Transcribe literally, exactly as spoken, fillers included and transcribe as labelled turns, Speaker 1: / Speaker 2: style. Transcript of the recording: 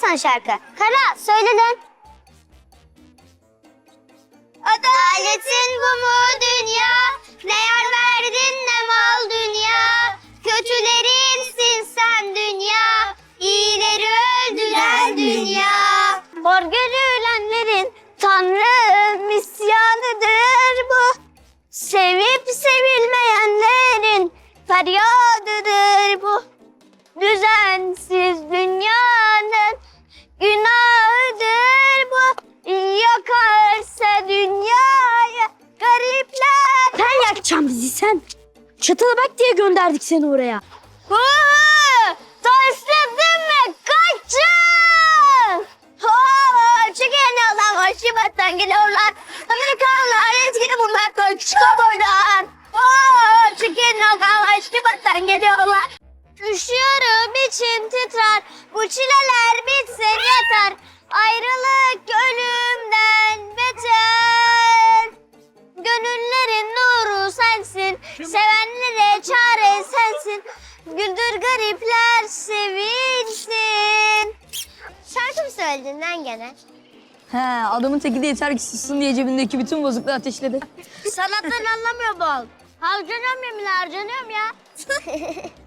Speaker 1: sana şarkı. Kara söyle lan. Adaletin bu mu dünya? Ne yar verdin ne mal dünya. Kötülerinsin sen dünya. İyileri öldüren dünya. Hor görülenlerin Tanrı isyanıdır bu. Sevip sevilmeyenlerin feryadıdır bu. Düzensiz dünyanın günahıdır bu. Yakarsa dünyayı garipler.
Speaker 2: Sen yakacaksın bizi sen. Çatıla bak diye gönderdik seni oraya.
Speaker 1: Huu! Taşladın mı? Kaçın! Huu! Çıkın yoldan başımattan geliyorlar. Amerikanlar etkili bunlar kaçın buradan. Huu! Çıkın yoldan başımattan geliyorlar. Üşüyorum içim titrer. Bu çileler bitsin yeter. Ayrılık ölümden beter. Gönüllerin nuru sensin. Sevenlere çare sensin. Güldür garipler sevinsin. Şarkı mı söyledin lan gene?
Speaker 2: He, adamın teki de yeter ki sussun diye cebindeki bütün bozukluğu ateşledi.
Speaker 1: Sanattan anlamıyor bu. Harcanıyorum yemin harcanıyorum ya.